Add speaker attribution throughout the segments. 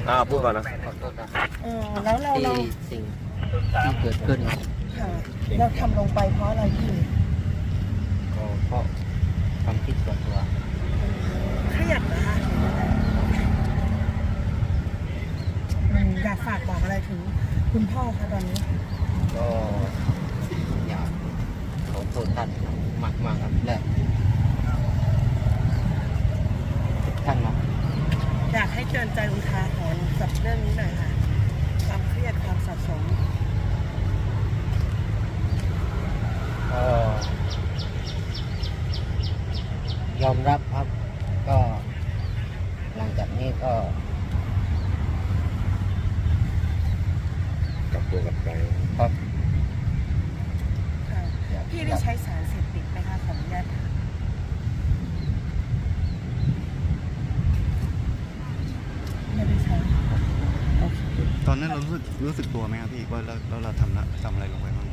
Speaker 1: พูดก่อนนะ
Speaker 2: ขอโทษนะ
Speaker 3: แล้วเรา
Speaker 2: ที่สิ่งที่เกิดขึ้น
Speaker 3: ค่ะเราทำลงไปเพราะอะไรพี่
Speaker 2: ก็เพราะความคิดส่วนตัว
Speaker 3: เครียดนะคะอยากฝากบอกอะไรถึงคุณพ่อคะตอนนี้
Speaker 2: ก็อยากขอโทษท่านมากครับและทุกท่านนะ
Speaker 3: อยากให้เตือนใจอุทาหรณ์กับเรื่องนี้หน่อยค่ะความเครียดความสะสม
Speaker 2: ยอมรับครับก็หลังจากนี้ก็
Speaker 1: กลับตัวกลับใจ
Speaker 2: ครับ
Speaker 3: พี่ได้ใช้สารเสพติดไหมคะของญาติไม่ได้ใช้
Speaker 4: ตอนนั้นเรารู้สึกตัวไหมครับพี่ว่าเราทำอะไรลงไปบ้าง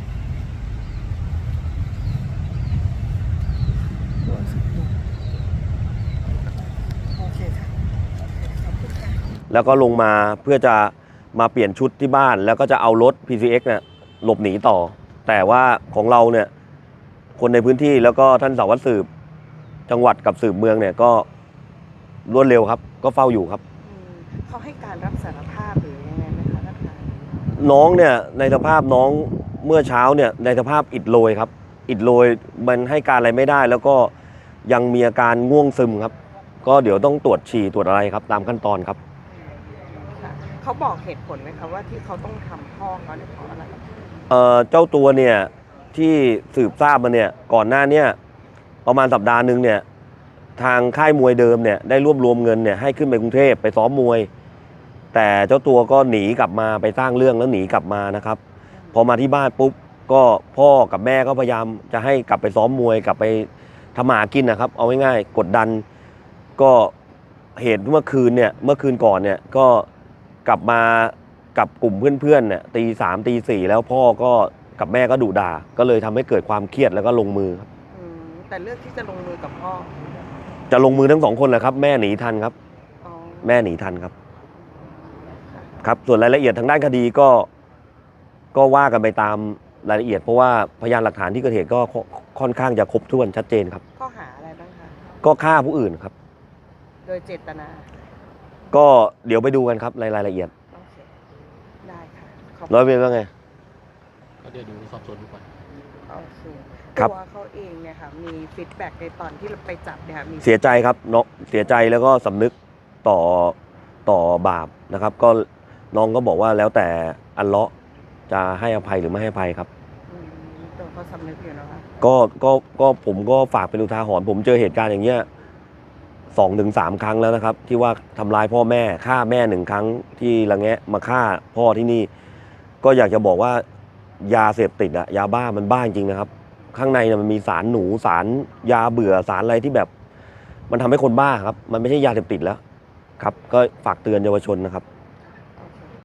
Speaker 3: โอเคค่ะขอบคุณค่ะ
Speaker 1: แล้วก็ลงมาเพื่อจะมาเปลี่ยนชุดที่บ้านแล้วก็จะเอารถ PCX เนี่ยหลบหนีต่อแต่ว่าของเราเนี่ยคนในพื้นที่แล้วก็ท่านสารวัตรสืบจังหวัดกับสืบเมืองเนี่ยก็รวดเร็วครับก็เฝ้าอยู่ครับ
Speaker 3: เขาให้การรับสารภาพหรือยังไงไหมคะท่านคะ
Speaker 1: น้องเนี่ยในสภาพน้องเมื่อเช้าเนี่ยในสภาพอิดโรยครับอิดโรยมันให้การอะไรไม่ได้แล้วก็ยังมีอาการง่วงซึมครับก็เดี๋ยวต้องตรวจฉี่ตรวจอะไรครับตามขั้นตอนครับ
Speaker 3: เขาบอกเหตุผลไหมคะว่าที่เขาต้องทำพ่อเขาเนี่ยเพราะอะไร
Speaker 1: เจ้าตัวเนี่ยที่สืบทราบมาเนี่ยก่อนหน้านี้ประมาณสัปดาห์หนึ่งเนี่ยทางค่ายมวยเดิมเนี่ยได้รวบรวมเงินเนี่ยให้ขึ้นไปกรุงเทพไปซ้อมมวยแต่เจ้าตัวก็หนีกลับมาไปสร้างเรื่องแล้วหนีกลับมานะครับพอมาที่บ้านปุ๊บก็พ่อกับแม่ก็พยายามจะให้กลับไปซ้อมมวยกลับไปทำหากินนะครับเอาง่ายๆกดดันก็เหตุเมื่อคืนก่อนเนี่ยก็กลับมากับกลุ่มเพื่อนๆเนี่ยตี 3 ตี 4แล้วพ่อก็กับแม่ก็ดุด่าก็เลยทำให้เกิดความเครียดแล้วก็ลงมือครับ
Speaker 3: แต่เลือกที่จะลงมือกับพ่อ
Speaker 1: จะลงมือทั้งสองคนแหละครับแม่หนีทันครับแม่หนีทันครับครับส่วนรายละเอียดทางด้านคดีก็ว่ากันไปตามรายละเอียดเพราะว่าพยานหลักฐานที่เกิดเหตุก็ค่อนข้างจะครบถ้วนชัดเจนครับ
Speaker 3: ข้อหาอะไรบ้างคะ
Speaker 1: ก็ฆ่าผู้อื่นครับ
Speaker 3: โดยเจตนา
Speaker 1: ก็เดี๋ยวไปดูกันครับรายละเอียด
Speaker 3: ได้ค่ะ
Speaker 1: ร้อยเวรว่าไง
Speaker 2: ก็เดี๋ยวดูสอบสวนดูก่อน
Speaker 3: โอเคตัวเขาเองเนี่ยค่ะมีฟีดแบ็กในตอนที่เราไปจับเนี่ยมี
Speaker 1: เสียใจครับน้องเสียใจแล้วก็สำนึกต่อบาปนะครับก็น้องก็บอกว่าแล้วแต่อัลเลาะห์จะให้อภัยหรือไม่ให้อภัยครับ
Speaker 3: ตัวเขาสำนึกอยู่นะคะ
Speaker 1: ก็ผมก็ฝากเป็นอุทาหรณ์ผมเจอเหตุการณ์อย่างเงี้ย2-3 ครั้งแล้วนะครับที่ว่าทำร้ายพ่อแม่ฆ่าแม่1 ครั้งที่ละแงะมาฆ่าพ่อที่นี่ก็อยากจะบอกว่ายาเสพติดอะยาบ้ามันบ้าจริงนะครับข้างในมันมีสารหนูสารยาเบื่อสารอะไรที่แบบมันทำให้คนบ้าครับมันไม่ใช่ยาเสพติดแล้วครับก็ฝากเตือนเยาวชนนะครับ